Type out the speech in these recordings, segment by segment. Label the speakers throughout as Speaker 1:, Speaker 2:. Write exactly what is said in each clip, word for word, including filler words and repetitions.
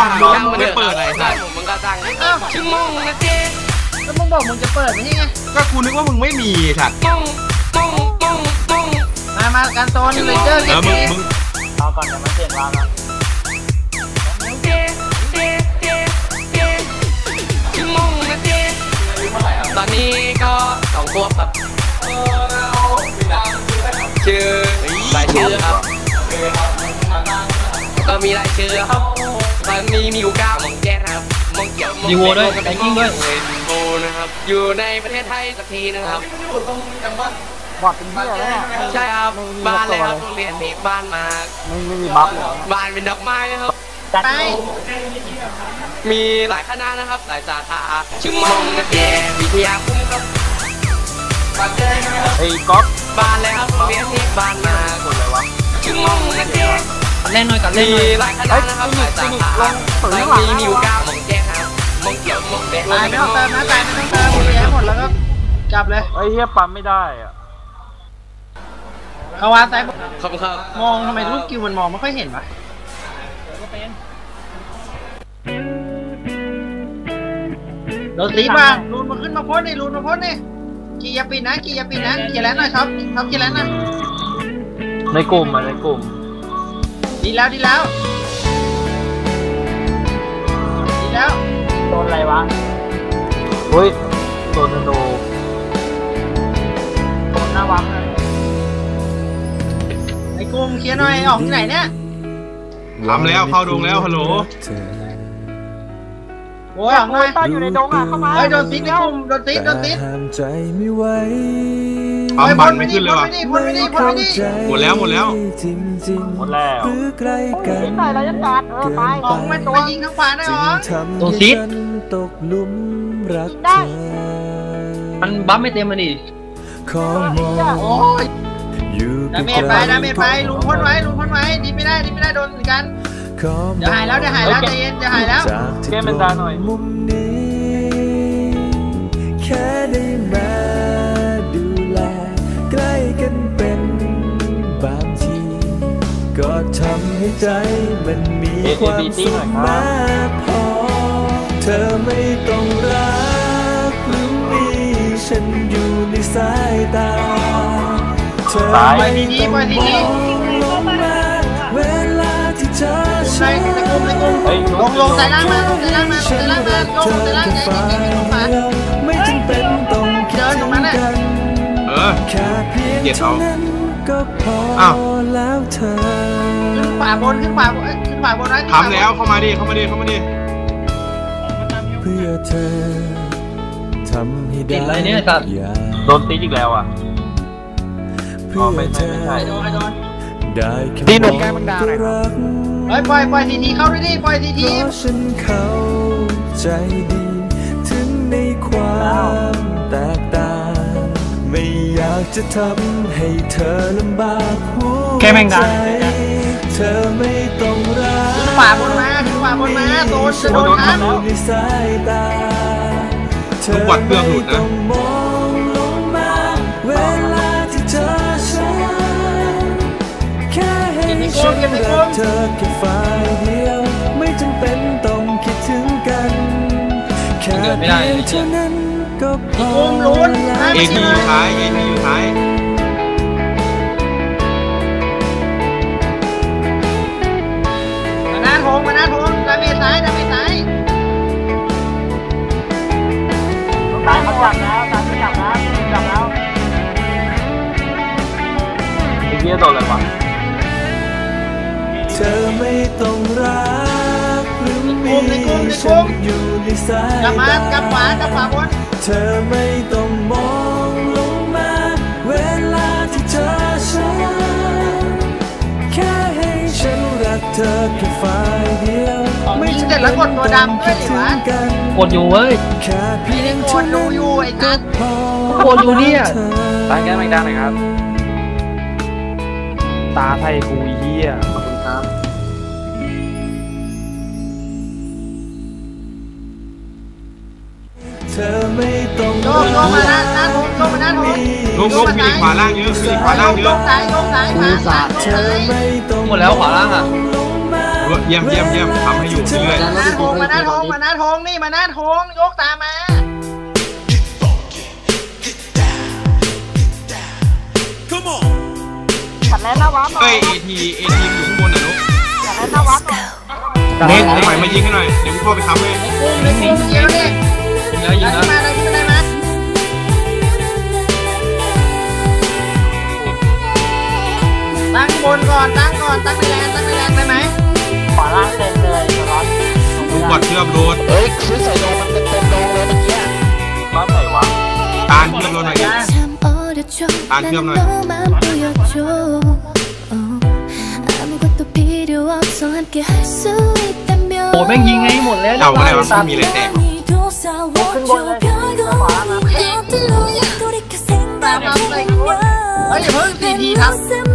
Speaker 1: มึงไม่เปิดอะไรสัตว์มึงก็ตั้งชั่วโมงนะเจ๊
Speaker 2: แล้วมึงบอกมึงจะเปิดไม่ใช่ไง
Speaker 1: ก็กูนึกว่ามึงไม่มีสัตว์
Speaker 2: มามาการโซนเลยเจอเก็บเอง
Speaker 3: รอก่อนเดี๋ยวมาเจ็บเราแล้ว
Speaker 1: ตอนนี้ก็สองตัวแบบชื่อรายชื่อครับก็มีรายชื่อครับตอนนี้มีอยู่เก้ามองแจ๊ครับมองเกี่ยว
Speaker 4: มีวัวด้วยแบงกิ้งด้วย
Speaker 1: โบนะครับอยู่ในประเทศไทยสักทีนะครับ
Speaker 3: บอดเป็นเบี้ยแล้วเนี่ย
Speaker 1: ใช่ครับบ้านเลยครับโรงเรียนนี้บ้านมา
Speaker 3: ไม่ไม่มีบัฟเลย
Speaker 1: บ้านเป็นดอกไม้นะครับ
Speaker 2: ไป
Speaker 1: มีหลายคณะนะครับหลายสาขาชื่อมองนะเจ๊วิทยาคุ้มครับ
Speaker 3: ไอ้ก๊อฟ
Speaker 1: บ้านเลยครับโรงเรียนนี้บ้านมา
Speaker 3: คนอะไรวะ
Speaker 1: ชื่อมองนะเจ๊
Speaker 4: เล่นหน่อยกันเล่น
Speaker 1: มีหลายคณะนะครับหลายสาขาตอนนี้มีอยู่เก้ามองแจ๊ครับมองเกี่ยวมองแดง
Speaker 2: ตายไม่ต้องเติมนะตายไม่ต้องเติมหมดเลยหมดแล้วก็กลับเลย
Speaker 3: ไอ้เหี้ยปั๊มไม่ได้อ่ะ
Speaker 2: เขาวางตาย
Speaker 1: ขอบคุณครับ
Speaker 2: มองทำไมลูกกิวมันมองไม่ค่อยเห็นวะโดนตีบ้างรูนมาขึ้นมาพ้นนี่รูนมาพ้นนี่กี่ยาปีนะกี่ยาปีนะกี่แล้วนะช็อปช็อปกี่แล้วนะ
Speaker 3: ในกลุ่มอ่ะในกลุ่ม
Speaker 2: ดีแล้วดีแล้วดีแล้ว
Speaker 3: โดนอะไรวะเฮ้ยโดนธนูโดนหน้าวังเลย
Speaker 2: ไอ้กลุ่มเคลียร์หน่อยออกที่ไหนเนี่ย
Speaker 1: ทำแล้วเข้าดงแล้วฮัลโหล
Speaker 2: โอ้ยออกหน่อย
Speaker 3: อยู่ในดงอ่ะเข้ามา
Speaker 2: เฮ้ยโดนซิดไอ้กลุ่มโดนซิดโดนซิด
Speaker 1: ปั๊มบันไม่ขึ้นเลยว่ะ
Speaker 2: พ้นไม่ดีพ้นไม่ดี
Speaker 1: หมดแล้วหมดแล้ว
Speaker 3: หมดแล้วยิงหน่อยเราจะจัดเออไป
Speaker 2: ออกมาตัวยิงทั้งขวาได้หรอ
Speaker 4: โดนซิด
Speaker 3: ได้
Speaker 4: มันบัฟไม่เต็มมันดิ
Speaker 2: โอ้ยดาเมจไปดาเมจไปลุงพ้นไว้ลุงพ้นไว้ดีไม่ได้ดีไม่ได้โดนเหมือนกันเดี๋ยวหายแล้วเดี๋ยวหายแล้วใจเย็นเดี๋ยวหายแล้ว
Speaker 3: แก้มันดาหน่อย
Speaker 5: แค่ได้มาดูแลใกล้กันเป็นบางทีก็ทำให้ใจมันมีความสุขมากพอเธอไม่ต้องรักหรือมีฉันอยู่ในสายตาเธอไม่ต้องมองลงมาเวลาที่เธอใช้
Speaker 2: ลงลงแต่ล่างมาลงแต่ล่างมาแต่ล่างมาลงแต่ล่างใจเย็นๆลงมา
Speaker 5: ไม่จำเป็นต้องคิดถึงกัน
Speaker 1: เออ
Speaker 5: แค่เพียงเท่านั้นก็พอแล้วเธอ
Speaker 2: ขึ้นขวาบนขึ้นขวาบนขึ้นขวาบนนะ
Speaker 1: ทำแล้วเข้ามาดิเข้ามาดิเข้ามาดิ
Speaker 5: เพื่อเธอทำให้ได้
Speaker 4: อะไรเนี่ยตัด
Speaker 3: โดนตีอีกแล้วอ่ะ
Speaker 5: เพื่อเธอได้
Speaker 3: ตีหนุ่มแก้มังดาหน่อย
Speaker 2: เฮ้ยปล่อยปล่อยทีทีเข้าด้วยดิปล่อยทีที
Speaker 5: ฉันเข้าใจดีถึงในความแตกต่างไม่อยากจะทำให้เธอลำบากหัวใจเธอไม่ต้องรัก
Speaker 2: ขวาบนมาขวาบนมาโดนจะโดนทับ
Speaker 5: ในสายตา
Speaker 1: เธอวัดเครื่องหลุดนะ
Speaker 5: มองลงมาเวลาที่เธอใช้แค่ให้ฉันรักเธอแค่ฝ่ายเดียวไม่จำเป็นต้องคิดถึงกันแค่เพียงเท่านั้นก็พอ
Speaker 1: เอทีอยู่ท้ายเอทีอยู่ท้าย
Speaker 2: มาหน้าทงมาหน้าทงดาเมจซ้ายดาเมจซ้าย
Speaker 3: ตายเขาจับแล้วตายเขาจับแล้วจับแล้วไอ้เหี้ยโดนอะไรวะ
Speaker 5: เธอไม่ต้องรักหรือมีฉันอยู่ในสายตากลับ
Speaker 2: มากลับขวากลับขวาบน
Speaker 5: เธอไม่ต้องมองลงมาเวลาที่เธอฉันแค่ให้ฉันรักเธอแค่ฝ่ายเดียว
Speaker 2: ไม่เสร็จแล้วกดตัวดำด้วยหรือวะ
Speaker 4: กดอยู่เว้ย
Speaker 5: แค่เพียง
Speaker 2: กดดูอยู่ไอ้นัท
Speaker 4: กดอยู่เนี่ย
Speaker 3: ตายแก้ไม่ได้หน่อยครับตาไทยกูเหี้ยขอบคุณครับ
Speaker 5: เธอไม่ต้อง
Speaker 2: โยกโยกมาหน้าหน้าทงโยกมาหน้าทง
Speaker 1: ลงลงมีขวาล่างเยอะมีขวาล่างเยอะ
Speaker 2: ซ้ายโยกซ้ายขวาซ้ายโยกซ้าย
Speaker 4: หมดแล้วขวาล่างอ่ะ
Speaker 6: เยี่ยมเยี่ยมเยี่ยมทำให้อยู่เรื่อย
Speaker 2: มาหน้าทงมาหน้าทงมาหน้าทงนี่มาหน้าทงยกตามมาขัดแล้วนะวะ
Speaker 6: เฮ้ยเอทีเอทีอยู่ข้างบนน่ะนุ๊ก
Speaker 2: ขัดแล้วนะวะ
Speaker 6: เน็ตใหม่มายิงให้หน่อยเดี๋ยวกูเข้าไปทำให้
Speaker 2: กุ้งเลยกุ้งเยอะดิ
Speaker 4: แล้วยิง
Speaker 2: ขึ้น
Speaker 4: แล้ว
Speaker 2: มาเลยขึ้นมาเลยมาตั้งบนก่อนตั้งก่อนตั้งในแรงตั้งในแรงได้ไหมขอล่างเต็มเลยร้อน
Speaker 6: ดูบอดเชื่อมโดน
Speaker 1: เฮ้ยซื้อใส่โดมันเต็มเต็มโดงเลยเมื่อกี้
Speaker 3: บ้านไหนวะ
Speaker 6: ตาลเชื่อมโดนหน่อยดิตาลเชื่อมหน่อย
Speaker 4: โอ้แม่งยิงไงหมดแล้ว
Speaker 6: เจ้าอะไรวะไม่มีอะไรแตก
Speaker 2: ขึ้นบนเลยขวามาตามมาเลยเฮ้ยอย่าเพิ่งสี่ทีครับ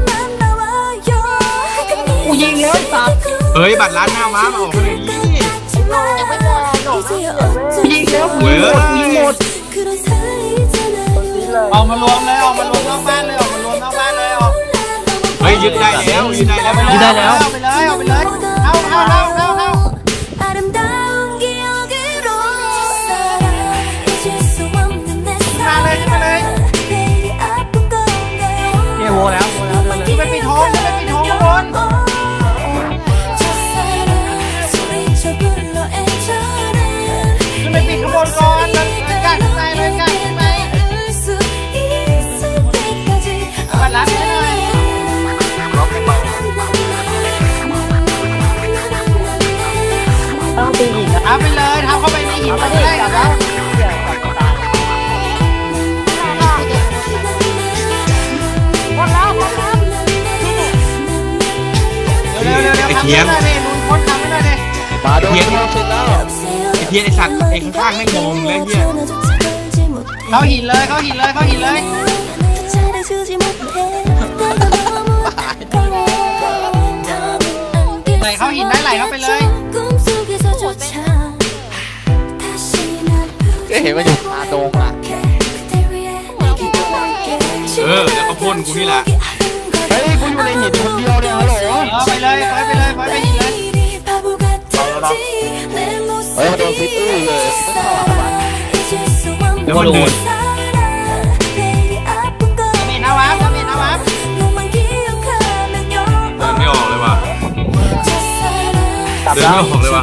Speaker 4: กูยิงแล้วไอ้สัตว์
Speaker 6: เฮ้ยบัตรร้านหน้าม้ามาออกมาเลยดิ
Speaker 2: ยังไม่หมดหรอก
Speaker 4: กูยิงแล้วกู
Speaker 6: เว้
Speaker 4: ยิ
Speaker 6: ย
Speaker 4: งหมดกูยิงหมด
Speaker 2: ออกมารวมเลยออกมารวมนอกบ้านเลยออกมารวมนอกบ้านเลยออก
Speaker 6: เฮ้ยยึดได้แล้วยึดได้แล้ว
Speaker 4: ยึดได้แล้ว
Speaker 2: เอาไปเลยเอาไปเลยเอาเอาเอาเอาเอามาเลยมาเลย
Speaker 4: เกโวแล้วโวแล้วเดินเลย
Speaker 2: ที่ไปปิดท้องที่ไปปิดท้องข้างบนขึ้นไปปิดข้างบนก่อนแล้วกัดข้างในเลยกัดข้างในบัดรับให้หน่อยต้องตีหินเอาไปเลยทำเข้าไปในหินก็ได้ครับเร็วเร็วเร็วทำให้หน่อยดิลุงพ้นทำให้หน่อยดิ
Speaker 1: มาโดนเสร็จแล้ว
Speaker 6: ไอเทียนไอสัตว์ไอข้างๆไม่งงเลยเฮีย
Speaker 2: เข้าหินเลยเข้าหินเลยเข้าหินเลยไหลเข้าหินได้ไหลเข้าไปเลย
Speaker 1: ก็เห็นว่าอยู่นาโดงอ่ะ
Speaker 6: เออแล้วก็พ่นกูนี่แหละ
Speaker 1: เฮ้ยกูอยู่ในหินคนเดียวเนี่ยฮัลโหล
Speaker 2: เออไปเลยไปไปเลยไปไปหินเลย
Speaker 1: เฮ้ยมาโดนฟิตอื้อเลยไม่เข้าหรอกวะ
Speaker 6: แล้วมันเดิน
Speaker 2: มีนาวาบมีนาวาบ
Speaker 6: เดินไม่ออกเลยว่ะเดินไม่ออกเลยว่ะ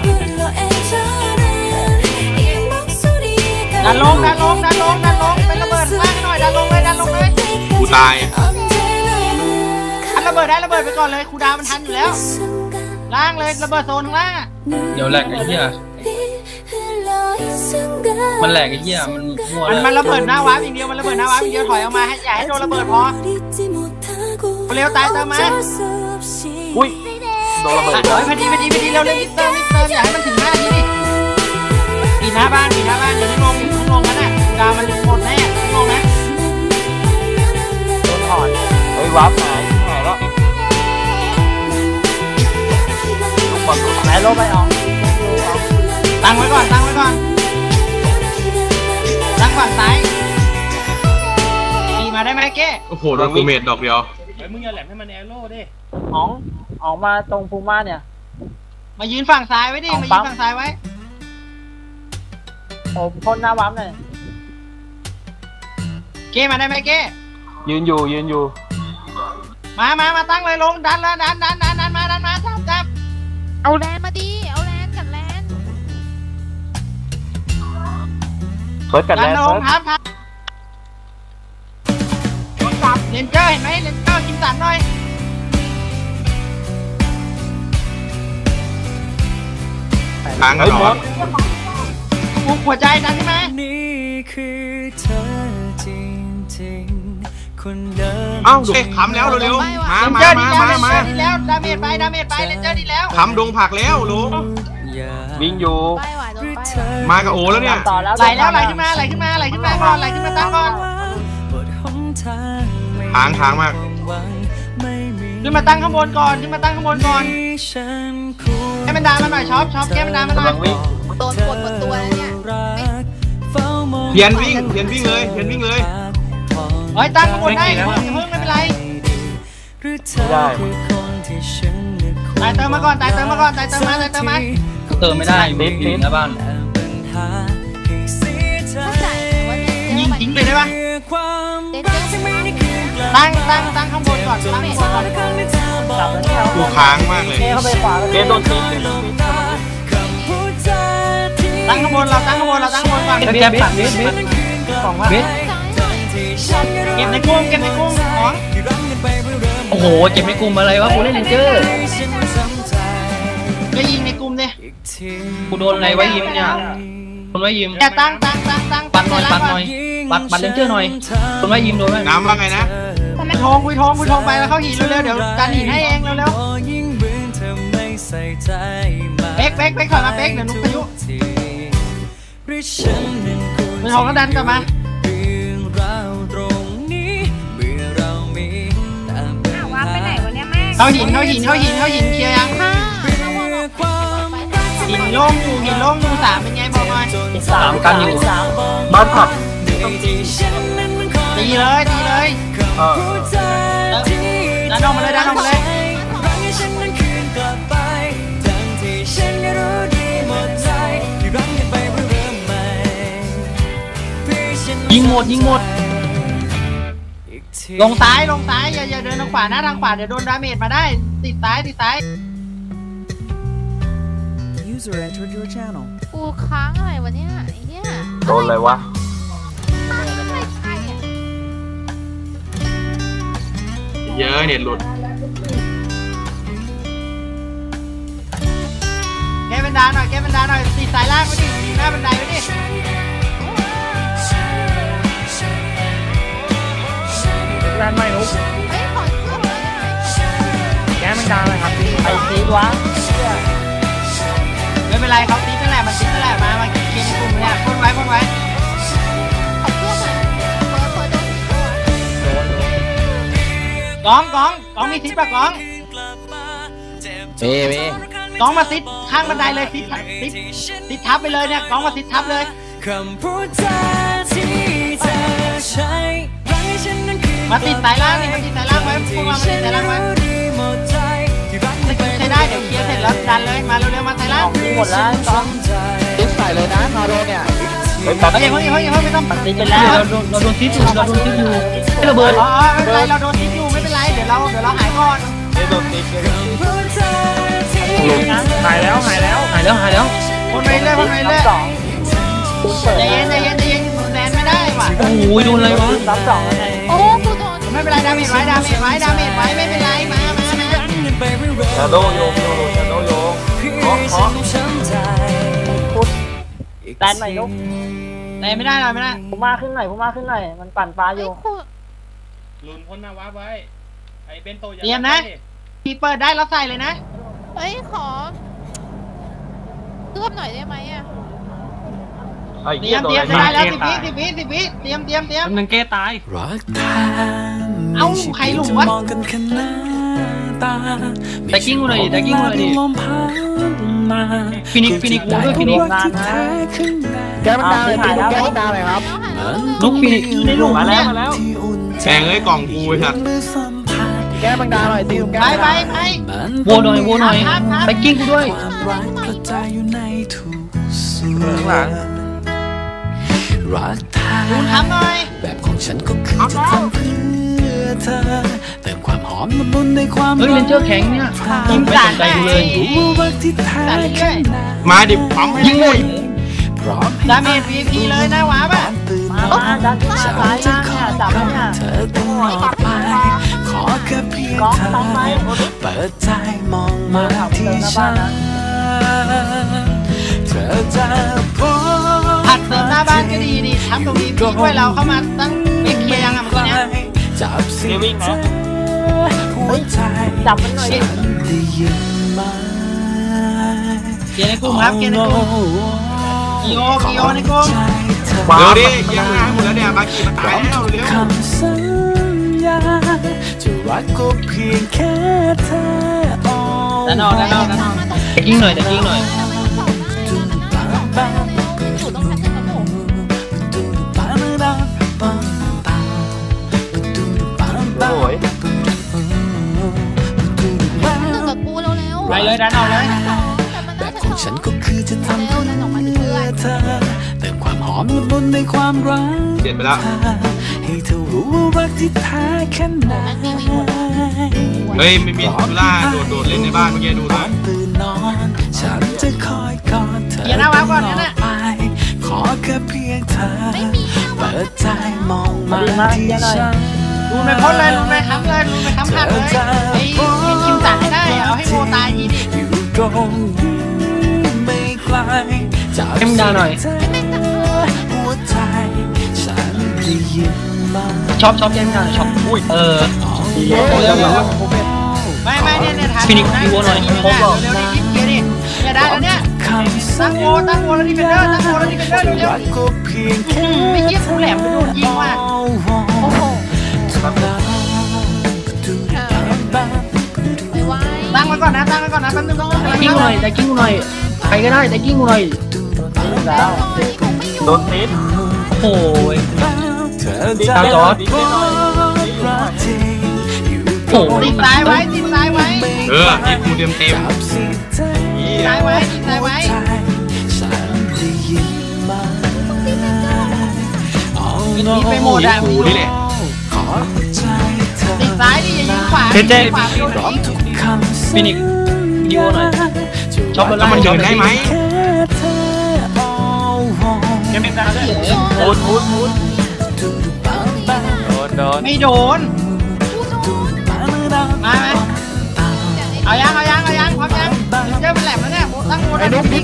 Speaker 2: ดันลงดันลงดันลงดันลงเป็นระเบิดมากหน่อยดันลงเลยดันลงเลย
Speaker 6: กูตาย
Speaker 2: อันระเบิดได้ระเบิดไปก่อนเลยครูดาวมันทันอยู่แล้วล่างเลยระเบิดโซนข้างล่าง
Speaker 4: เดี๋ยวแหลกไอ้เหี้ยมันแหลกไอ้เหี้ยมันมั่ว
Speaker 2: มัน
Speaker 4: แล้ว
Speaker 2: มันระเบิดหน้าวาร์ปอย่างเดียวมันระเบิดหน้าวาร์ปอย่างเดียวถอยออกมาให้อย่าให้โดนระเบิดพอเร็วตายเติมมา
Speaker 3: อุ้ยโดนระเบิด
Speaker 2: เฮ้ยพอดีพอดีพอดีเร็วเร็วรีบเติมรีบเติมอย่าให้มันถึงหน้าทีดิปีหน้าบ้านปีหน้าบ้านอย่าเพิ่งลงอย่าเพิ่งลงนะน่ะดาวมันหมดแน่ลงนะ
Speaker 3: โดนถอนเฮ้ยวับหายหายแล้วลูกบอลลูก
Speaker 2: ไหนลงไปออกตั้งไว้ก่อนตั้งไว้ก่อนตั้งฝั่งซ้ายตีมาได้ไหมเก้
Speaker 6: โอ้โหโดนกูเมดดอกเดียว
Speaker 3: เฮ้ยมึงอย่าแหลมให้มันแอโร่ดิ
Speaker 7: ออกออกมาตรงภูมาเนี่ย
Speaker 2: มายืนฝั่งซ้ายไว้ดิมายืนฝั่งซ้ายไว้
Speaker 7: ผมพ่นหน้าวับหน่อย
Speaker 2: เก้มาได้ไหมเก้
Speaker 3: ยืนอยู่ยืนอยู่
Speaker 2: มามามาตั้งเลยลงดันแล้วดันดันดันดันมาดันมาจับจับ
Speaker 8: เอาแลนมาดีเอาแลนกับแลน
Speaker 3: เฟิร์สกัน
Speaker 2: ดัน
Speaker 3: แล้ว
Speaker 2: ล
Speaker 3: เฟิ
Speaker 2: ง
Speaker 3: ร์ส
Speaker 2: ครับครับจับเลนเจอร์เห็นไหมเลนเจอร์กินสันหน่อย
Speaker 6: ทางกันเหรอ
Speaker 2: ปลุกหัวใจดันขึ้นมา
Speaker 5: นี่คือเธอจริงๆคนเดิม
Speaker 6: เอ้าดูขำแล้วเร็วๆมา
Speaker 2: เลน
Speaker 6: มา
Speaker 2: เจอร์ดี
Speaker 6: มา
Speaker 2: แล้วเล
Speaker 6: มาน มา
Speaker 2: เจอร์ดีแล้วดาเมจไปดาเมจไปเลนเจอร์ดีแล้ว
Speaker 6: ขำดงผักแล้วลุง
Speaker 3: วิ่งอยู่
Speaker 8: ไปหวานโดนไป
Speaker 6: มากับโอแล้วเนี่ย
Speaker 7: ต่อแล้ว
Speaker 2: ไหลแล้วไหลขึ้นมาไหลขึ้นมาไหลขึ้นมาก่อนไหลขึ้นมาตั้งก่อน
Speaker 6: ทางทางมาก
Speaker 2: ขึ้นมาตั้งข้างบนก่อนขึ้นมาตั้งข้างบนก่อนให้มันดามันหน่อยช็อปช็อปแก้มันดามันหน่
Speaker 3: กำ
Speaker 2: อ
Speaker 3: ลั
Speaker 2: ย
Speaker 3: งวิ่ง
Speaker 8: โดนปวดหมดตัวแล้วเนี่ย
Speaker 6: เทียนวิ่งเทียนวิ่งเลยเทียนวิ่งเลย
Speaker 2: เฮ้ยตั้งข้างบนได้เพิ่งเพิ่งไม่เป็นไร
Speaker 3: ไม่ได้
Speaker 2: ตั้ตายเติมมาก่อนตายเติมมาก่อนตายเติมมาตายเติมมา
Speaker 4: เติมไม่ได้อยู่อยู่หน้าบ้าน
Speaker 8: เข้าใจว่าเดน
Speaker 2: ยิงทิ้งเลยได้ปะ
Speaker 8: เดนเจอร์
Speaker 2: ตั้งตั้งตั้งข้างบนก่อนตั้งข้างบนก่อน
Speaker 7: จับแล้วเนี่ย
Speaker 6: กูค้างมากเลย
Speaker 7: เทเข้าไปขวา
Speaker 3: เกมโดนตี
Speaker 2: ตั้งข้างบนเราตั้งข้างบนเราตั้งข้างบนก่อน
Speaker 4: แกปัดเบสเบส
Speaker 7: สองว่า
Speaker 4: เบส
Speaker 2: เก็บในกุ้งเก็บในกุ้งของ
Speaker 4: โอ้โหเก็บในกลุ่มอะไรวะกูเล่นเลนเจอร์
Speaker 2: ก็ยิงในกลุ่มดิ
Speaker 4: กูโดนอะไรไว้ยิมเนี่ยโดนไว้ยิม
Speaker 2: แกตั้งตั้งตั้งตั้ง
Speaker 4: ปัดหน่อยปัดหน่อยปัดปัดเลนเจอร์หน่อยโดนไว้ยิมโดนไว้
Speaker 6: น้ำว่าไงนะ
Speaker 2: คุยทองคุยทองคุยทองไปแล้วเข้าหินเร็วๆเดี๋ยวดันหินให้เองเร็วๆเป๊กเป๊กเป๊กถอยมาเป๊กเดี๋ยวนุ๊กพายุคุยทองก็ดันกลับมาเข้าหินเข้าหินเข้าหินเข้าหินเคลียร์ยัง
Speaker 8: ค่ะระวังออกไป
Speaker 2: หินโล่งอยู่หินโล่งอยู่สามเป็นไงบอกหน่อย
Speaker 7: สาม
Speaker 4: กันอยู่
Speaker 7: สาม
Speaker 3: บ้านผับ
Speaker 2: ตีเลยตีเลย
Speaker 3: เออ
Speaker 2: ดันออกมาเลยดันออกมาเลย
Speaker 4: ยิงหมดยิงหมด
Speaker 2: ลงซ้ายลงซ้ายอย่าอย่าเดินทางขวานะทางขวาเดี๋ยวโดนดาเมจมาได้ติดซ้ายติดซ้าย
Speaker 5: User entered your channel
Speaker 8: กูค้างอะไรวะเนี่ยไอ้เนี่ย
Speaker 3: โดนอะไรวะ
Speaker 8: อะไรใครอ่ะ
Speaker 6: เยอะเนี่ยหลุด
Speaker 2: แกเป็นดาหน่อยแกเป็นดาหน่อยติดสายล่างไว้ดิติดหน้าบันไดไว้ดิ
Speaker 7: แรงไม่นุ๊ก
Speaker 8: เฮ้ยขอเครื่องเลยได้ไหม
Speaker 7: แกมันดังเลยครับไอ้ซีดวะ
Speaker 2: ไม่เป็นไรเขาติดนั่นแหละมันติดนั่นแหละมามาเคลียร์ในกลุ่มเนี่ยพ่นไว้พ่นไว้
Speaker 8: ขอเครื่องหน่อยเปิดเปิดโดนตัว
Speaker 2: กองกองกองมีติดปะกอง
Speaker 4: เบ้เบ้
Speaker 2: กองมาติดข้างบันไดเลยติดติดติดทับไปเลยเนี่ยกองมาติดทับเลยมาติดสายล่างนี่มาติดสายล่างไว้พวกเรามาติดสายล่างไว้ใช้ได้เดี๋ยวเคลียร์เสร็จแล้วดันเลยมาเร็วๆมาสายล่าง
Speaker 7: มีหมดแล้วสอง
Speaker 4: ติดใส่เลยนะมาโดนเนี่ย
Speaker 3: เฮ้ยตัด
Speaker 2: เฮ้ยเฮ้ยเฮ้ยเฮ้ยไม่ต้อง
Speaker 7: ติดไปแล้ว
Speaker 4: เราโดนเราโดนทิศอยู่เราโดนทิศอยู่ไม่ระเบิด
Speaker 2: อ๋อไม่เป็นไรเราโดนติดอยู่ไม่เป็นไรเดี๋ยวเราเดี๋ยวเราหายก่อน
Speaker 3: เกมโดนตีเกมโดนตี
Speaker 7: หายแล้วหายแล้ว
Speaker 4: หายแล้วหายแล้ว
Speaker 2: พ่นไปเรื่อยพ่นไปเรื่อย
Speaker 7: สองเปิด
Speaker 2: ใจเย็นใจเย็นใจเย็นแลนไม่ได้ว่ะ
Speaker 4: โอ้โหโดนอะไรวะ
Speaker 7: สามสองไง
Speaker 8: โอ้กูโดน
Speaker 2: ไม่เป็นไรดาเมจไว้ดาเมจไว้ดาเมจไว้ไม่เป็นไรมามามา
Speaker 3: ชาโดโยงโยงชาโดโยงเคาะเคาะ
Speaker 7: แตนใหม่นุ๊ก
Speaker 2: แลนไม่ได้เราไม่ได้
Speaker 7: ผมมาขึ้นหน่อยผมมาขึ้นหน่อยมันปั่นปลาอ
Speaker 8: เฮ้ย
Speaker 7: ยู่
Speaker 8: กู
Speaker 3: ลุนพ้นหน้าว้าไว้ไอ้เบนโต
Speaker 2: เตรียมนะพี่เปิดได้แล้วใส่เลยนะ
Speaker 8: เฮ้ยขอเคลือบหน่อยได้ไหมอ่ะ
Speaker 3: ไอ้
Speaker 2: เตรี
Speaker 3: เหี้
Speaker 2: ย
Speaker 3: ย
Speaker 2: ม
Speaker 3: โด
Speaker 2: เต
Speaker 3: น
Speaker 2: รียม
Speaker 3: อะไร
Speaker 2: จะได้แล้วสิบวิสิบวิสิบวิเตรียมเตรียมเตรียม
Speaker 4: กำลังแก้ตาย
Speaker 5: รักแท้
Speaker 2: เอ้าใครหลุมวะ
Speaker 5: มองกันแค่หน้าตา
Speaker 4: แต่กิ้งกูหน่อยดิแต่กิ้งกูหน่อยดิ
Speaker 5: ลมพัดมา
Speaker 4: ฟินิกฟินิกกูด้วยฟินิก
Speaker 5: รักที่แท้ข้างใน
Speaker 7: แกมันดังเลยหายแล้วแกมันดังเลยครับ
Speaker 8: แล้วหายแล้ว
Speaker 4: ลูกฟินิก
Speaker 2: ในหลุม
Speaker 3: มาแล้ว
Speaker 2: เนี่ย
Speaker 3: มาแล้ว
Speaker 5: ที่อุ่นใจ
Speaker 6: แสงเอ้ยกล่องกูไอ้สัตว์
Speaker 5: มือสัมผัส
Speaker 7: แกมันดังหน่อยตีแก
Speaker 2: ไปไปไป
Speaker 4: โวหน่อยโวหน่อยแต่กิ้งกูด้วย
Speaker 5: ความรักกระจายอยู่ในทุกส่ว
Speaker 3: ข้างหลัง
Speaker 5: นรักแท้
Speaker 2: คุณทำหน่อย
Speaker 5: แบบของฉันก็คือจะทำเพื่อเธอเติมความหอมละมุนในความ
Speaker 4: เฮ้ยเลนเจอร์แข็งเนี่ย
Speaker 2: ยิง
Speaker 4: ไม่
Speaker 2: สา
Speaker 4: ส
Speaker 2: ด
Speaker 4: นใจ
Speaker 2: ได้
Speaker 4: กูเลย
Speaker 5: รู้รักที่แท้
Speaker 2: สาดเรื่
Speaker 5: ข้า
Speaker 2: อย
Speaker 5: งใน
Speaker 6: มาดิปั๊มให้
Speaker 4: ยิงหมด
Speaker 5: พร้อม
Speaker 2: ดาเมจ วี พี เลยนะหวาป่ะ
Speaker 5: ตื่น
Speaker 7: มามาดันมาซ้ายล่างเนี่ยจับแล้วเนี่ย
Speaker 5: เธอตลอดไปขอแค่เพียง
Speaker 7: กอง
Speaker 5: เธอ
Speaker 7: ซ้ายไป
Speaker 5: เปิดใจมองมาที่ฉันเธอจะพบ
Speaker 2: ผัดเติมหน้าบ้านก็ดีดิทำตรงนี้พี่ช่วยเราเข้ามาตั้งไม่เคลียร์ยังอ่ะเมื่อกี้เนี้ย
Speaker 5: จับสิ่งเธอหัวใจ
Speaker 7: จับมันหน่อยดิ
Speaker 5: ได้ยินไหม
Speaker 2: เคลียร์ในกลุ่มครับเคลียร์ในกลุ่มกิโอกิโอในกลุ่ม
Speaker 6: เร็วดิยังหายหมดแล้วเนี่ยบากีมาตายแล้วเร็ว
Speaker 5: คำสัญญาจะรักก็เพียงแค่เธอ
Speaker 2: ด้านนอกด้านนอกด้านนอก
Speaker 4: แต่กิ้งหน่อยแต่กิ้งหน่อย
Speaker 8: อยู่ตรงนั้นกับผม
Speaker 3: โอ้ย
Speaker 8: หนึ่งกับกูเร็วๆ
Speaker 2: เลยดันออกเลย
Speaker 5: แบบของฉันก็คือจะทำเพื่อเธอเติมความหอมละมุนในความรัก
Speaker 6: เสร็จไปแล้ว
Speaker 5: ให้เธอรู้ว่ารักที่แท้แค่ไหน
Speaker 6: เฮ้ยไม่มีทุล่าโดดโดดเล่นในบ้านเมื่อกี้ดูนะ
Speaker 5: ตื่นนอนฉันจะคอยกอดเธอ
Speaker 2: เดี๋ยวนะวางก่อนเนี่ยนะ
Speaker 5: ไปขอแค่เพียงเธอเปิดใจมองมาที่ฉัน
Speaker 2: ลุนไปพ้นเลยลุนไปค้ำเลยลุนไปค้ำขัดเลยไอ้คิมสั่งให้ได้เอาให้โมตายทีดิ
Speaker 5: อยู่ตรงนี้ไม่ไกลจาก
Speaker 4: เอ็มดาหน่อย
Speaker 5: หัวใจฉันได้ยินมา
Speaker 4: ชอบชอบเอ็มดาชอบอุ้ยเออ
Speaker 2: ไม่ไม่เนี่ยเนี่ยถ่าย
Speaker 4: ฟินิกซ์อีโวหน่อยครบหรอ
Speaker 2: เร็วๆนี่คิดเกียร์ดิเนี่ยได้แล้วเนี่ยตั้งโมตั้งโมแล้วดิเฟนเดอร์ตั้งโมแล้วดิเฟนเดอร์เร็ว
Speaker 5: ก็เพียงแค่
Speaker 2: ๆไม่คิดกูแหลมไปโดนยิงว่ะโอ้โห
Speaker 8: ไม่ไหว
Speaker 2: ตั้งไว้ก่อนนะตั้งไว้ก่อนนะแป๊บนึงต้อง
Speaker 4: แต่กิ้งหน่อยแต่กิ้งหน่อยใครก็ได้แต่กิ้งหน่อย
Speaker 8: แล้ว
Speaker 3: โดนติด
Speaker 4: โอ้ย
Speaker 5: เธอ
Speaker 3: ดี
Speaker 5: จะ
Speaker 3: ด
Speaker 4: จอร์จ
Speaker 3: ดีดหน่อยดีดหน่อย
Speaker 4: โอ้
Speaker 2: ติ
Speaker 4: ย
Speaker 2: ดซ้ายไว้ติดซ้ายไว้
Speaker 6: เออไอ้กูเต็มเต็มเหี้ย
Speaker 2: ซ้ายไว้ติดซ้ายไว้
Speaker 5: ฉันได้ยินมา
Speaker 2: มีไปโหมดอะ
Speaker 6: กูนี่แหละ
Speaker 5: ขอใจเธอ
Speaker 2: ติดซ้ายดิอย่ายิงขวา
Speaker 4: เจ๊เจ๊
Speaker 2: ขวาไปโดนยิง
Speaker 5: ทุกคำ
Speaker 4: ฟินิกซ์อีโวหน่อยชอบ
Speaker 6: แล้วมันเดินได้ไหม
Speaker 5: แค่เธอ
Speaker 2: แกไม่ได้เลย
Speaker 3: โดนมุดมุดโดนโดน
Speaker 2: ไม่โดนมาไหมเอายังเอายังเอายังพร้อมยังเจอมันแหลมแล้วเนี่ยตั้งโมได้ดิ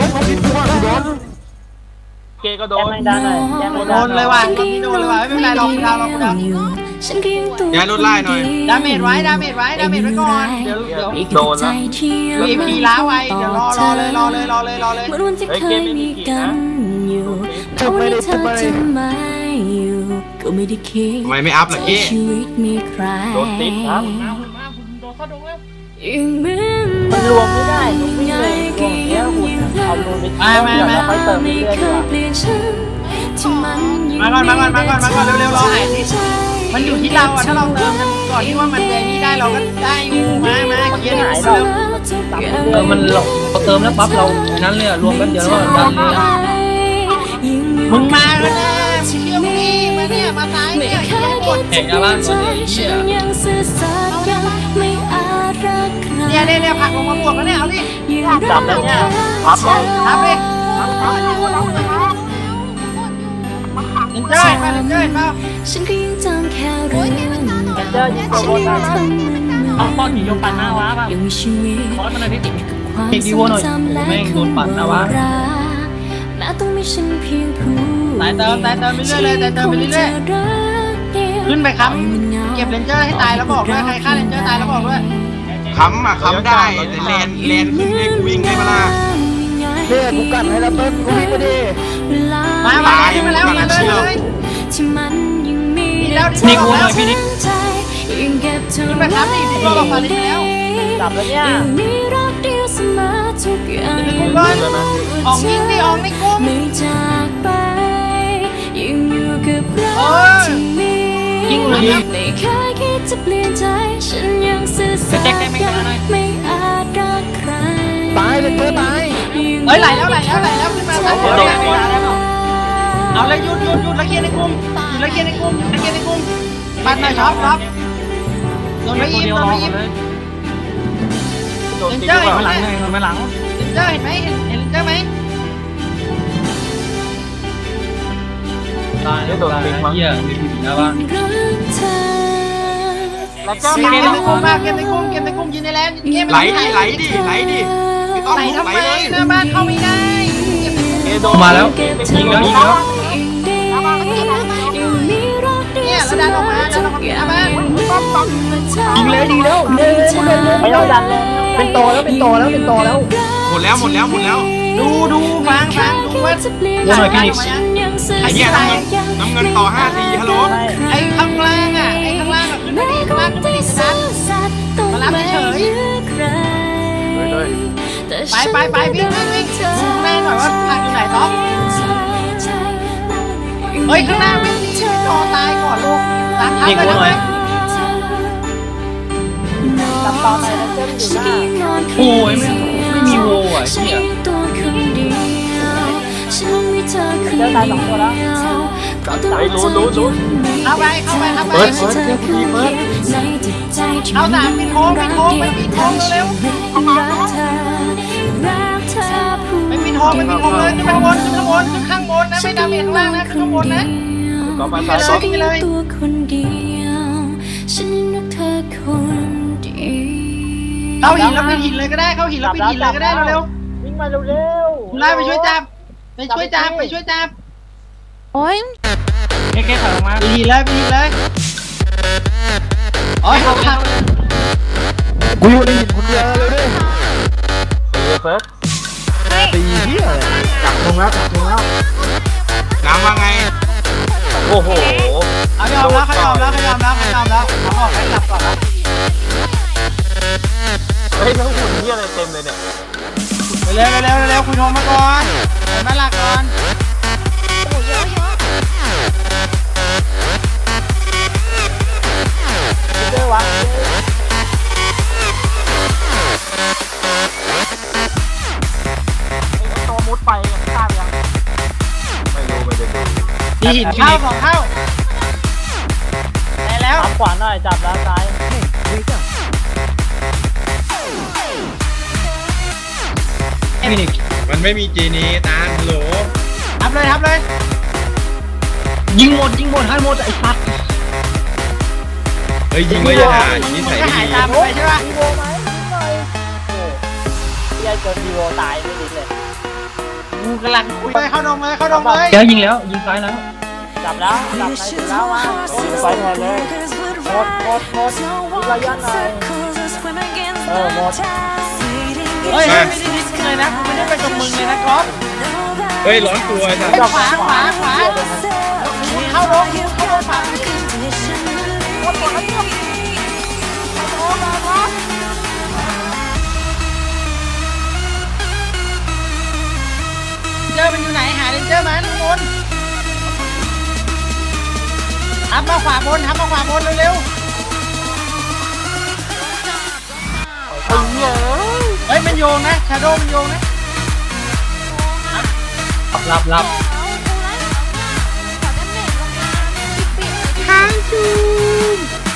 Speaker 3: เกก็โดน
Speaker 2: โดนเลยว่ะตรงนี้โดนเลยว่ะไม่เป็นไรลองดาวลองดาว
Speaker 6: ย้ายรถไล่หน่อย
Speaker 2: ดาเมจไว้ดาเมจไว้ดาเมจไว้ก่อนเดี๋ยวเดี๋ยว
Speaker 3: โดนแล้ว
Speaker 2: เอพีล้าไว้เดี๋ยวรอรอเลยรอเลยรอเลยรอเลย
Speaker 3: เฮ้ยเกมไม่มีกี่นะ
Speaker 7: ทำไมได้ทำไม
Speaker 5: ก็ไม่ได้คิด
Speaker 6: ทำไมไม่อัพล่ะกี้
Speaker 5: ชีวิตมีใคร
Speaker 3: โดนติดครับ
Speaker 5: ยังเหมือน
Speaker 7: มันรวมไม่ได้มันไม่เลยรวมเนี้ยคุณเอารวมไป
Speaker 2: มามามา
Speaker 7: ค่อยเติมเรื่อยๆดีกว่า
Speaker 5: เปลี่ยนฉันที่มันยัง
Speaker 2: มาก่อนมาก่อนมาก่อนมาก่อนเร็วๆรอหายสิมันอยู่ที่เราอ่ะถ้าเราเติมกันก่อนที่ว่ามันจะนี่ได้เราก็ได้อยู่มามาเคลียร์ดิเร็ว
Speaker 4: เออมันเราเติมแล้วปั๊บเรานั้นเลยรวมกันเดียวแล้วดันเลย
Speaker 2: มึงมาแล้วนะมึงเชื่อมึงนี่มาเนี่ยมาซ้ายเนี่ยเคลียร์หมด
Speaker 4: แข่งหน้าบ้านก่อนเลยเหี้ย
Speaker 2: เนี่ยเนี่ยเนี่ยผักลงมาบวกแล้วเนี่ยเอาดิ
Speaker 7: จับแล้วเนี่ยพับเลย
Speaker 2: ทำดิเจ้าเห็นป่ะเจ้าเห็นป่ะ
Speaker 5: ฉันก็ยังจำแค่เรื่อง
Speaker 7: เจอยิงตัวบนมาเอาป้อนหนีโยปันหน้าวะป่ะ
Speaker 5: ยังมีชีวิต
Speaker 7: คอร์สมันอะไรพี่
Speaker 5: ความ
Speaker 4: เด็กดีโวหน่อยแม่งโดนปั่นนะวะ
Speaker 5: แม้ต้องมีฉันเพียงผู้
Speaker 2: ตายเติมตายเติมไปเรื่อยเลยตายเติมไปเรื่อยๆขึ้นไปค้ำเก็บเรนเจอร์ให้ตายแล้วบอกด้วยใครฆ่าเรนเจอร์ตายแล้วบอกด้วย
Speaker 6: ค้ำอ่ะค้ำได้แต่แลนแลนขึ้นให้กูวิ่งได้มาล่ะ
Speaker 7: เนี่ยกูกัดให้แล้วเติ้ลกูวิ่งไปดิ
Speaker 2: มามาขึ้นมาแล้วมาเลยเลย
Speaker 5: ที่มันยังมี
Speaker 2: แล้ว
Speaker 4: นี่กูหน่อยพี่นิก
Speaker 5: ยังเก็บเธอ
Speaker 2: ขึ้นไปค้ำดิพี่บอกฟาลินแล้ว
Speaker 7: จับแล้วเนี่ย
Speaker 5: ยังมีรักเดียวเสมอทุกอย่าง
Speaker 2: กูก่อนออกยิงดิออกในกุ้ง
Speaker 5: ไม่จากไปยังอยู่กับเราที่มี
Speaker 4: ยิงเลย
Speaker 5: ไม่เคยคิดจะเปลี่ยนใจฉันยังซื่อสัตย์ไม่อาจรักใคร
Speaker 7: ตายเลยเพื่อตาย
Speaker 2: เฮ้ยไหลแล้วไหลแล้วไหลแล้วขึ้นมาแล้วเอาเลยหยุดหยุดหยุดแล้วเคลียร์ในกุ้งหยุดแล้วเคลียร์ในกุ้งหยุดแล้วเคลียร์ในกุ้งปัดหน่อยช็อปช็อปโดนไปยิงโดนไปยิง
Speaker 3: โดนติด
Speaker 2: เจ้า
Speaker 3: หรือ
Speaker 2: เห็น
Speaker 3: เป
Speaker 2: ไหม
Speaker 3: ล่า
Speaker 4: หลังไงมาหลัง
Speaker 2: เจ้าเห็นไหมเห็นเห็นเจ้าไหม
Speaker 4: ตายโดนติดเหี้ยมีผีหน้าบ้าน
Speaker 2: แล้วเจ้าเก็บในกุ้งมากเก็บในกุ้งเก็บในกุ้งยิงในแลนเก็บ
Speaker 6: ไหลดิไหลดิไหลดิไม่ต้อง
Speaker 2: ไหล
Speaker 6: ลุก
Speaker 2: ทำ
Speaker 6: ไหล
Speaker 2: ไม
Speaker 6: เลย
Speaker 2: หน้าบ้านเข้าไม่ได้เก็บในกุ้ง
Speaker 3: เกโดน
Speaker 4: มาแล้วยิงแล้วยิงแล้ว
Speaker 2: เนี่ยแล้วดันออกมาดันออกมาหน้าบ้าน
Speaker 4: ยิงเลยดีแล้วเร็ว
Speaker 7: ไม่ต้องดันเลยเป็นโตแล้วเป็นโตแล้วเป็นโตแล้ว
Speaker 6: หมดแล้วหมดแล้วหมดแล้ว
Speaker 2: ดูดูฟังฟังดูว่า
Speaker 4: ว่าหน่อยพี่นิก
Speaker 2: ไอ้
Speaker 6: เหี้
Speaker 2: เหี้
Speaker 6: ย
Speaker 2: ย
Speaker 6: น้ำเงินน้ำเงินต่อห้าทีฮัลโหล
Speaker 2: ไอ้ข้างล่างอ่ะไอ้ข้างล่างอ่ะขึ้นไปดิข้างล่างขึ้นไปดิดันมารับเฉยไปไปไปวิ่งวิ่งวิ่งดูแม่หน่อยว่าทางอยู่ไหนต๊อกเฮ้ยข้างหน้าวิ่งดิจอตายก่อนลูกตามทับเลยนะ
Speaker 7: ต
Speaker 2: ตอนไหนเจ้าอยู่หน้า
Speaker 4: โอ้ยไม่ไม่มีโวอ่ะเหี้ย
Speaker 2: เจ้าตายสองตัวแล้ว
Speaker 3: ไอ้รู้รู้รู้
Speaker 2: เข้าไปเข้าไปเข้าไป
Speaker 3: เปิดเปิดเที่ยวดีเปิด
Speaker 2: เอาสามปิดโค้งปิดโค้งไปปิดโค้งเร็วไปปิดโค้งไปปิดโค้งเลยขึ้นข้างบนขึ้นข้างบนขึ้นข้างบนนะไม่ดาเมจข้างล่างนะขึ้นข้างบนนะ
Speaker 3: ก็มา
Speaker 2: ไป
Speaker 3: ซ้าย
Speaker 2: เลย
Speaker 3: ซ้าย
Speaker 2: ไปเลยเข้าหินแล้วไปหินเลยก็ได้เข้าหินแล้วไปหินเลยก็ได้เร็วๆวิ่งมาเร็วๆไล่ไปช่วยจับไปช่วยจับไปช่วยจับ
Speaker 8: โอ้ย
Speaker 4: แค่แค่ถอยออกมา
Speaker 2: ไปหินเลยไปหินเลยโอ้ยเขาขับ
Speaker 3: กูอยู่ในหินคนเดียวเลยดิเฟิร์สตีเหี้ยจับลงแล้วจับลงแล้ว
Speaker 6: น้ำว่าไง
Speaker 3: โอ้โห
Speaker 2: เอายอมแล้วเขายอมแล้วเขายอมแล้วเขายอมแล้วเขาออกให้จับก่อนแล้ว
Speaker 3: เฮ้ยทั้งหุ่นเหี้ยอะไรเต็มเลยเนี่ย
Speaker 2: ไปเร็วเร็วเร็วคุณโทรมาก่อนไปมาหลักก่อน
Speaker 8: โอ้เยอะเยอะ
Speaker 2: เจอวะ
Speaker 3: ตัวมุดไปทราบยังไม่รู้ไม่ได้ดู
Speaker 2: มีหินเข้าสองเข้าได้แล้วขวาหน่อยจับแล้วซ้าย
Speaker 4: ฟินิกซ์
Speaker 6: มันไม่มีจีนีตาฮัลโหล
Speaker 2: ทับเลยทับเลย
Speaker 4: ยิงหมดยิงหมดให้หมดไอ้สัตว์
Speaker 6: เฮ้ยยิงเลยอย่าด่าอย่างนี้
Speaker 2: มัน
Speaker 6: ใส่
Speaker 2: ก็
Speaker 6: ไม่
Speaker 2: หาย
Speaker 6: ดี
Speaker 2: ตามไปใช่ป่ะดีโวไหมนิดหน่อยโอ้ยายจนดีโวตายไม่ดีเลยกูกำลังคุยเข้าดงเลยเข้าดงเลย
Speaker 4: แล้วยิงแล้วยิงซ้ายแล้ว
Speaker 2: จับแล้วจับไหนถึงแล้ววะไปแทนเลยหมดหมดหมดมีระยะหน่อยเออหมดเฮ้ยไม่ได้ดิ้นเลยนะไม่ได้ไปกับมึงเลยนะครับ
Speaker 6: เฮ้ยร้อนตัวไอ้สัส
Speaker 2: ขวาขวาขวาเข้าลงเข้าลงขวาเจอมันอยู่ไหนหาเรนเจอร์มันบนทับมาขวาบนทับมาขวาบนเร็วๆเฮ้ยมันโยงนะชาโดมันโยงนะ
Speaker 4: รับรับรับ
Speaker 8: ค้างจูม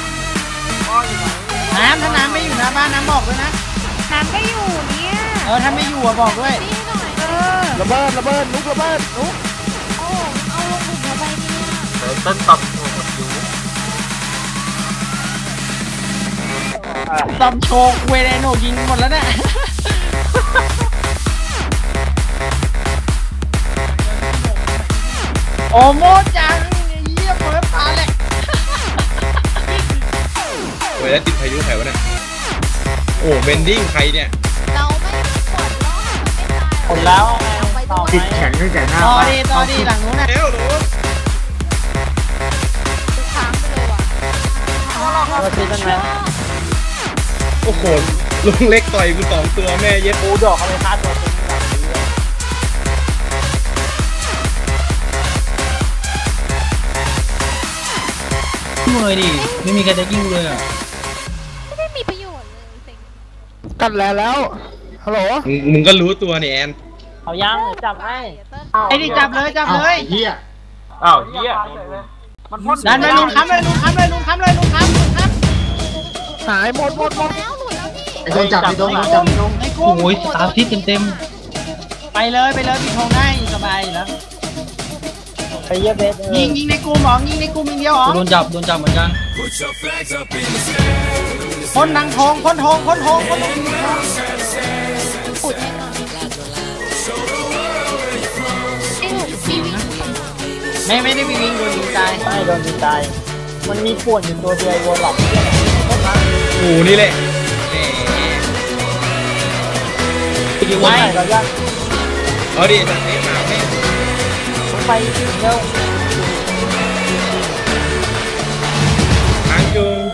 Speaker 2: น้ำถ้าน้ำไม่อยู่หน้าบ้านน้ำบอกด้วยนะ
Speaker 8: น้ำก็อยู่เนี่ย
Speaker 2: เออถ้าไม่อยู่อะบอกด้วย
Speaker 8: นี่หน่อยเออ
Speaker 3: ระเบิดระเบิดลุกระเบิดลุก
Speaker 8: โอ้เอาลงบุกเข้าไปเนี่ย
Speaker 3: เฮ้ยต้นตับโอ้โหอยู่
Speaker 2: ตอมโชว์เวเรโนยิงหมดแล้วเนี่ยโอ้โมจังเยี่ยมเปิดปลาแหลก
Speaker 6: โอ้ยแล้วติดพายุใครวะเนี่ยโอ้เบนดิ้งใครเนี่ย
Speaker 8: เราไม่กดล้อมันไม่ตาย
Speaker 2: หมดแล้ว
Speaker 8: ไปต่อ
Speaker 3: ติดแข็งตั้งแต่หน้า
Speaker 2: ต่อ
Speaker 3: บ้าน
Speaker 2: ดีต่อดีหลังนู้นนะ
Speaker 6: เอ้วหนู
Speaker 8: ค้างไปเลยว่ะ
Speaker 2: ตัวซีกันไหม
Speaker 6: โอ้โหลุงเล็กต่อยกูสองตัวแม่เย็ด
Speaker 2: ปูดอกเขาไปฆ่าตัวซีกันแบบนี้เลย
Speaker 4: ยิงเลยดิไม่มีใครจะยิงเลยอ่ะ
Speaker 8: ไม่ได้มีประโยชน์เลยเซ็ง
Speaker 3: กันแล้วแล้วฮัลโหล
Speaker 6: มึงมึงก็รู้ตัวนี่แอน
Speaker 2: เอายังจับให้
Speaker 8: เติ้ล
Speaker 2: ไอ้นี่จับเลยจับเลย
Speaker 3: เฮียอ้าวเฮียมันพ่น
Speaker 2: ดันไปลุงค้ำเลยลุงค้ำเลยลุงค้ำเลยลุงค้ำลุงค้ำ
Speaker 3: หายหมดหมดหมด
Speaker 8: แล้วหลุดแล้วนี่
Speaker 3: ไอ้ตรงจับไอ้ตรงจับไอ้ตรง
Speaker 2: ไอ้กุ้ง
Speaker 4: โอ้ยตามทิศเต็มเต็ม
Speaker 2: ไปเลยไปเลยปิดทองได้สบายแล้วไปเยอะเบสยิงยิงในกลุ่มหรอยิงในกลุ่มอย่างเดียวหรอ
Speaker 4: โดนจับโดนจับเหมือนกัน
Speaker 2: พ่นนางทองพ่นทองพ่นทองพ่นทอง
Speaker 8: ขุดให้หน่อยไอ้หลุดฟีวิ่ง
Speaker 2: ไม่ไม่ได้ไปวิ่งโดนยิงตายไม่โดนยิงตายมันมีป่วนอยู่ตัวเดียววนหลอก
Speaker 6: โอ้นี่แหละแหม
Speaker 2: ยิงไว้เราจะ
Speaker 6: เอาดิสัตว์เลี้ยงหมาแม่ง
Speaker 2: ไปเร็ว
Speaker 6: ทางจูง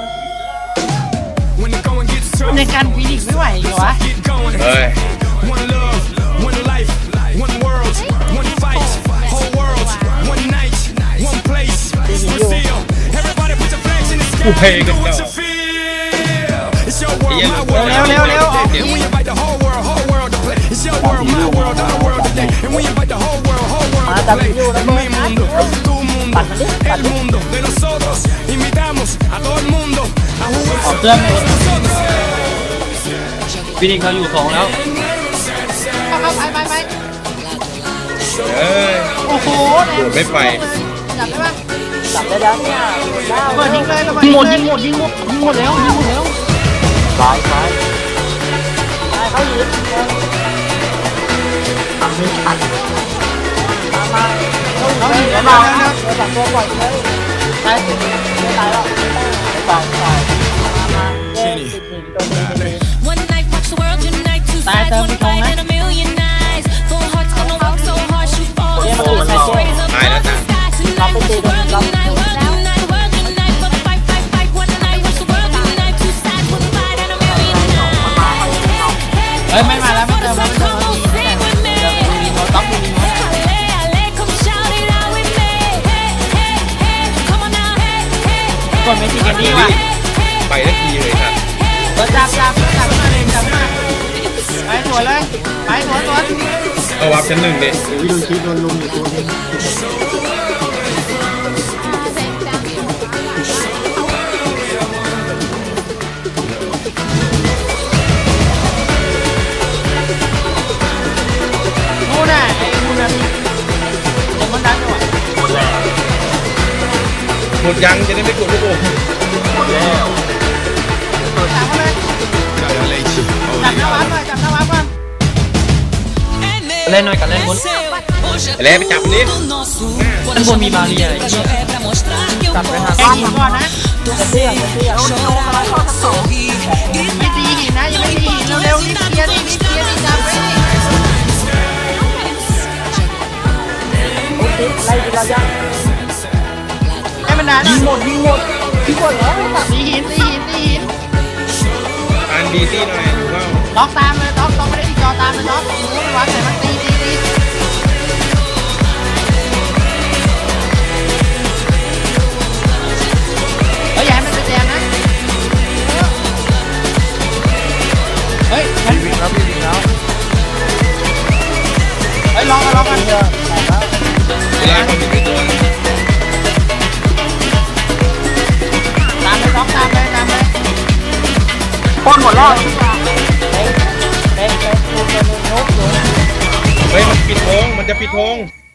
Speaker 2: ในการฟีนิกไม่ไหวเหรอวะ
Speaker 6: เฮ้ย
Speaker 8: เฮ้ย
Speaker 6: กูเพลงกันเก่าไอ้เหี้ย
Speaker 2: ร็วเร็วเร็วออก
Speaker 6: เดี๋ยว
Speaker 2: มาจับอยู่แล้วมึงนะปัดมันดิปัดดิ
Speaker 4: ออกเครื่องเลยฟินิกเราอยู่สองแล้ว
Speaker 8: เอาเอาไปไปไป
Speaker 6: เอ้ย
Speaker 2: โอ้โห
Speaker 6: โดดไม่ไป
Speaker 8: จับได้ปะ
Speaker 2: จับได้แล้วเนี่ยระเบิดยิงเลยระเบิด
Speaker 4: ยิงหมด
Speaker 2: เล
Speaker 4: ยิงหมดยิงหมดยิงหมดแล้วยิงหมดแล้ว
Speaker 2: ซ้ายซ้ายซ้ายเขาหยิบทำไม่ทันมามาเขาหยิบแล้วมาแล้วจับตัวปล่อยเลยตายไม่ตายแล้วไม่ตายไม่ตายมามาเย้ติดหนึ่งตัวนี้เลย
Speaker 9: One night rocks the world, unite two sides, one fight and a million eyes. Full hearts gonna work so hard, shoot all the stars, raise up towards the sky. Tonight watch the world unite, world unite, world unite for the fight, fight, fight. One night watch the world unite, two sides, one fight and a million eyes.
Speaker 2: เฮ้ยไม่มาแล้วไม่เติมแล้วไม่เติม
Speaker 9: Come on, sing with me.
Speaker 2: เราต้องมีน้อย
Speaker 9: Halle, halle, come shout it out with me. Hey, hey, hey, come on now, hey, hey,
Speaker 2: กดไม่ติดกันดีว่ะ
Speaker 6: ไปได้ทีเลยครับ
Speaker 2: จับจับจับมาเลยจับมาไปสวนเลยไปสวนสวน
Speaker 6: เอาวับชั้นหนึ่งเด็ด
Speaker 8: เซ็งจัง
Speaker 2: นู่นน่ะไอ้นู่นน่ะเดี๋ยวมันดังจังหวะ
Speaker 3: หมดแล้ว
Speaker 6: หมดยังจะได้ไม่กดลูกโป่ง
Speaker 3: หมดแล้ว
Speaker 2: จับมาเลยจับหน้าวัดหน่อยจับหน้าวัดก่อน
Speaker 4: เล่นหน่อยกันเล่นบน
Speaker 6: ไปแล้วไปจับนี้
Speaker 4: ด้านบนมีบาเรียไอ้เหี้ย
Speaker 2: จับไปหาแกหินก่อนนะจะเตี้ยจะเตี้ยไม่ตีหินนะยังไม่ตีหินเร็วๆนี่เตี้ยนี่นี่เตี้ยนี่จับไปนี่โอ้ยไล่เรายังให้มันนานยิงหมดยิงหมดยิงหมดเหรอตีหินตีหินตีหิน
Speaker 6: อ่านดีซี่หน่อยดูว่า
Speaker 2: ล็อกตามเลยล็อกล็อกไม่ได้ที่จอตามเลยล็อกรู้วัดไหนมันตีตีตีเฮ้ยอย่าให้มันเป็นแดงนะเฮ้ยฉันวิ่งแล้ววิ่งแล้วเฮ้ยลองกันลองกันเถอะ
Speaker 6: เวลาคนมีไม่ตัว
Speaker 2: ตามเลยล็อกตามเลยตามเลย
Speaker 3: ป้นหมดแล้ว
Speaker 2: เฮ้ยเฮ้ยเฮ้ยเฮ้ยเฮ้ยเฮ้ย
Speaker 6: เฮ้ยมันปิดธงมันจะปิดธง